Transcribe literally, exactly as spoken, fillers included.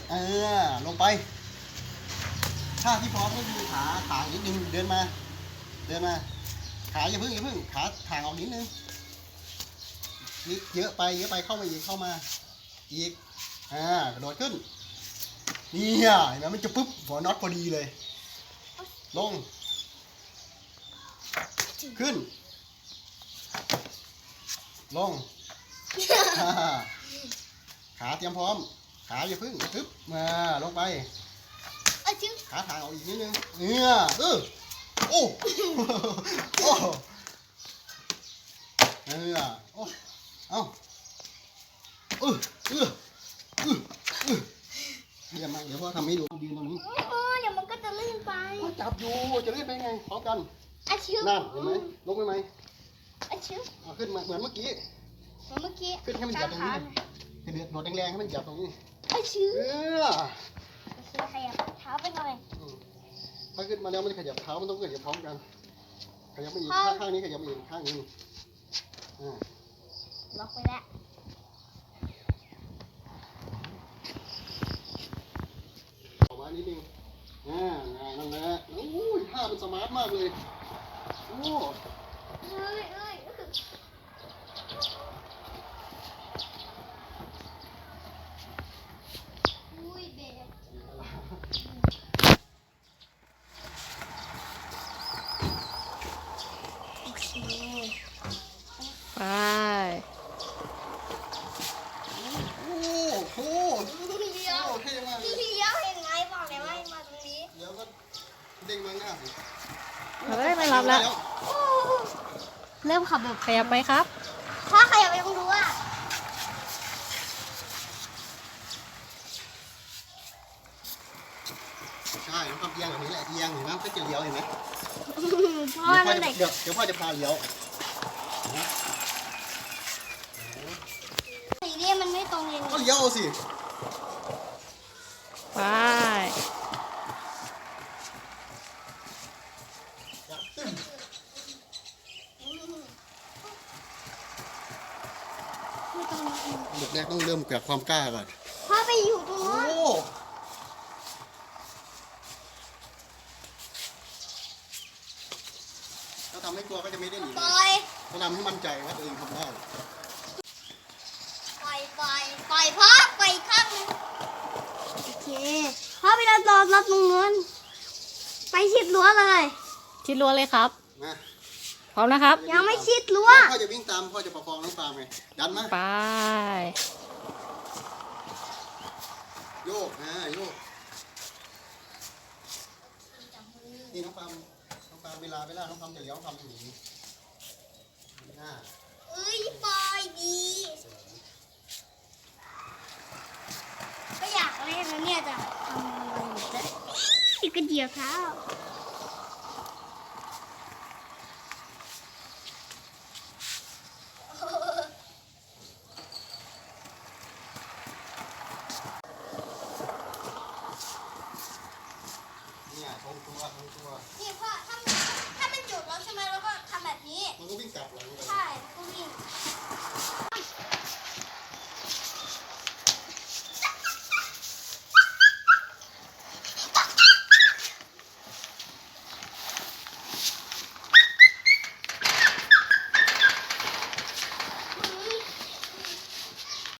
เออลงไปท่าที่พร้อมก็คือขาขานิดนึงเดินมาเดินมาขาอย่าพึ่งอย่าพึ่งขาทางออกนิดนึงนิดเยอะไปเยอะไปเข้ามาอีกเข้ามาอีกอ่ากระโดดขึ้นนี่อ่ะเห็นไหมมันจะปุ๊บหัวน็อตพอดีเลยลงขึ้นลงขาเตรียมพร้อมขาอย่าพึ่งปึ๊บมาลงไปขาทางออกอีกนิดนึงเนี่ยเออโอ้โอ้เออโอ้เอาเออเออเออเออเดี๋ยวมาเดี๋ยวพ่อทำให้ดูยืนตรงนี้เออเดี๋ยวมันก็จะลื่นไปจับอยู่จะลื่นไปไงพร้อมกันอาชิวนั่นเห็นไหมลงไปไหมอาชิวขึ้นมาเหมือนเมื่อกี้เหมือนเมื่อกี้ขึ้นให้มันเหยียบตรงนี้ให้เดือดโดดแรงๆให้มันเหยียบตรงนี้อาชิวเออขยับเท้าไปหน่อยถ้าขึ้นมาแล้วมันขยับเท้ามันต้องขยับพร้อมกันขยับไปอีกข้างนี้ขยับไปอีกข้างนี้อ่าล็อกไปแล้วออกมานิดนึงอ่านั่นแหละโอ้ยท่ามันสมาร์ทมากเลยโอ้เอ้ยเอ้ยอุ้ยเด็กโอเคไปโอ้โหเลี้ยวเท่มากเลยเลี้ยวเห็นไหมบอกเลยว่ามาตรงนี้เดี๋ยวก็เด้งมาหน้าเราได้ไม่รับแล้วเริ่มขับแบบขยับไปครับพ่อขยับไปตรงนู้นอ่ะใช่ต้องเอียงแบบนี้แหละเอียงเห็นไหมก็จะเลี้ยวเห็นไหมพ่อนั่นเด็กเดี๋ยวเดี๋ยวพ่อจะพาเลี้ยวสีนี้มันไม่ตรงเลยก็เลี้ยวสิไปเด็กแรกต้องเริ่มจากความกล้าก่อนพ่อไปอยู่ตรงนู้นถ้าทำให้กลัวก็จะไม่ได้หนีปล่อยถ้าทำให้มั่นใจว่าตัวเองทำได้ปล่อยปล่อยปล่อยพ่อปล่อยข้างนึงโอเคพ่อไปรับรอรับตรงนู้นไปชิดรั้วเลยชิดรั้วเลยครับมาพร้อมนะครับยังไม่ชิดรั้วพ่อจะวิ่งตามพ่อจะประคองน้องปาล์มไงดันมาไปโยกอ่าโยกนี่น้องปาล์มน้องปาล์มเวลาเวลาน้องปาล์มจะเลี้ยวทำอย่างนี้หน้าเอ้ยปล่อยดีก็อยากเล่นนะเนี่ยจะทำอะไรอยู่จะอีกกระเดียวเท้า